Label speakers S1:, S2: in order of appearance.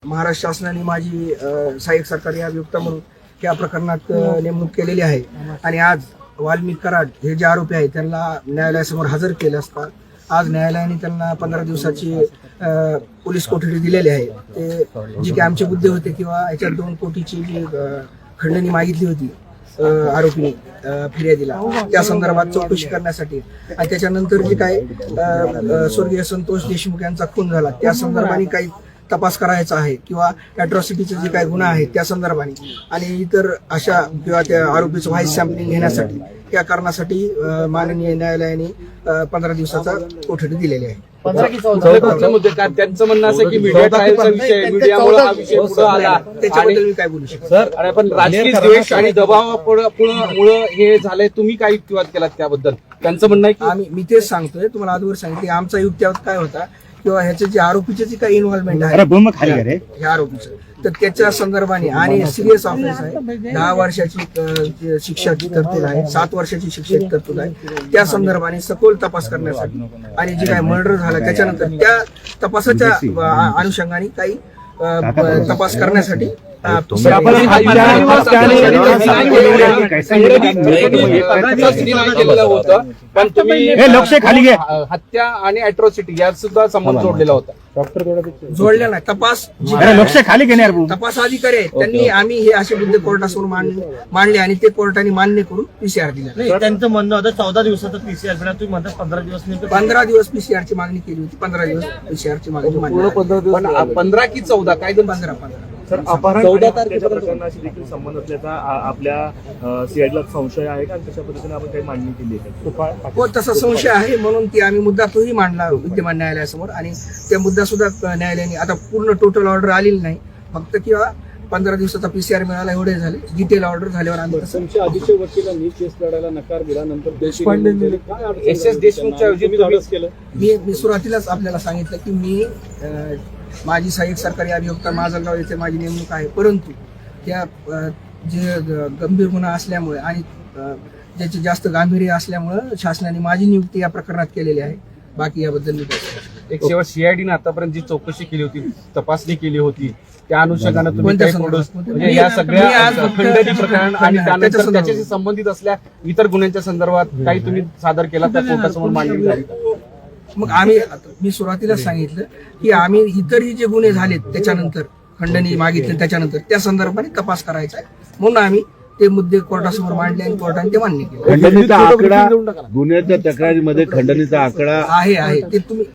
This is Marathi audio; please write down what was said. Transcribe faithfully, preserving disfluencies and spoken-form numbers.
S1: महाराष्ट्र शासनाने माझी सहाय्यक सरकारी अभियोक्ता म्हणून या प्रकरणात नेमणूक केलेली आहे आणि आज वाल्मिक कराड हे जे आरोपी आहेत त्यांना न्यायालयासमोर हजर केले असता आज न्यायालयाने त्यांना पंधरा दिवसाची पोलीस कोठडी दिलेली आहे. ते जे काही आमचे मुद्दे होते किंवा याच्यात दोन कोटीची जी खंडणी मागितली होती आरोपीने फिर्यादीला त्या संदर्भात चौकशी करण्यासाठी आणि त्याच्यानंतर जे काय स्वर्गीय संतोष देशमुख यांचा खून झाला त्या संदर्भाने काही तपास करायचा आहे किंवा अॅट्रॉसिटीचे जे काही गुन्हा आहेत त्या संदर्भाने आणि इतर अशा किंवा त्या आरोपीचं व्हाईस सॅम्पलिंग घेण्यासाठी या कारणासाठी माननीय न्यायालयाने पंधरा दिवसाचा कोठडी दिलेली आहे.
S2: त्यांचं म्हणणं असं की मीडिया ट्रायलचा विषय मीडियामुळे हा विषय पुढे आला
S1: त्याच्याबद्दल मी काय बोलू शकतो
S2: सर. आणि पण राजकीय द्वेष आणि दबावामुळे हे झालंय, तुम्ही काय युक्तिवाद केलात त्याबद्दल? त्यांचं म्हणणं आहे की
S1: आम्ही मी तेच सांगतोय तुम्हाला आजवर सांगितले आमचा युक्तिवाद काय होता किंवा ह्याचे जे आरोपीचे जे काही इन्व्हॉल्वमेंट आहे ह्या आरोपीचं तर त्याच्या संदर्भाने आणि सिरियस ऑफेन्स आहे दहा वर्षाची शिक्षाची तरतूद आहे सात वर्षाची शिक्षेची तरतूद आहे त्या संदर्भाने सखोल तपास करण्यासाठी आणि जे काही मर्डर झाला त्याच्यानंतर त्या तपासाच्या अनुषंगाने काही तपास करण्यासाठी
S2: पण तुम्ही हत्या आणि अॅट्रॉसिटी यात सुद्धा संबंध जोडलेला होता.
S1: जोडल्या नाही. तपास
S3: खाली घेणार
S1: तपास अधिकारी आहेत त्यांनी आम्ही हे असे मुद्दे कोर्टासमोर मांडले आणि ते कोर्टाने मान्य करून पीसीआर दिला.
S4: त्यांचं म्हणणं होतं चौदा दिवसाचं पीसीआर तुम्ही म्हणता पंधरा दिवस
S1: पंधरा दिवस पीसीआर ची मागणी केली होती. पंधरा दिवस पीसीआर ची मागणी
S2: पंधरा की चौदा काय दोन
S1: पंधरा पंधरा
S4: चौदा तारखेच्या प्रकरणाशी देखील संबंध असल्याचा आपल्या सीआयडीला संशय आहे का? तशा पद्धतीने आपण काही मांडणी केली आहे?
S1: हो तसा संशय आहे म्हणून ती आम्ही मुद्दा तोही मांडला विद्यमान न्यायालयासमोर आणि त्या मुद्दा सुद्धा न्यायालयाने आता पूर्ण टोटल ऑर्डर आलेली नाही फक्त किंवा पंधरा दिवसाचा पीसीआर मिळाला एवढे झाले. डिटेल ऑर्डर झाल्यावर आम्ही
S5: आधीच्या वकिलांनी केस लढायला नकार दिला नंतर देशपांडे
S2: एस एस देशमुखच्या ऐवजी
S1: मी मी सुरुवातीलाच आपल्याला सांगितलं की मी माझी सहाय्यक सरकारी अभियोक्ता माजलगाव येथे माझी नेमणूक आहे परंतु त्या जे गंभीर गुन्हा असल्यामुळे आणि ज्याचे जास्त गांभीर्य असल्यामुळे शासनाने माझी नियुक्ती या प्रकरणात केलेली आहे. बाकी याबद्दल मी
S2: एक शेवट सीआयडीने आतापर्यंत जी चौकशी केली होती तपासणी केली होती त्या अनुषंगाने तुम्ही काही म्हणजे या सगळ्या खंडणी प्रकरण आणि त्यानंतर त्याच्याशी संबंधित असल्या इतर गुन्ह्यांच्या संदर्भात काही तुम्ही सादर केला त्या कोर्टासमोर मांडणी झाली?
S1: मग आम्ही मी सुरुवातीलाच सांगितलं की आम्ही इतरही जे गुन्हे झालेत त्याच्यानंतर खंडणी मागितली त्याच्यानंतर त्या संदर्भाने तपास करायचा आहे म्हणून आम्ही ते मुद्दे कोर्टासमोर मांडले आणि कोर्टाने ते मान्य केले.
S3: खंडणीचा आकडा गुन्ह्याच्या तक्रारीमध्ये खंडणीचा आकडा
S1: आहे आहे ते तुम्ही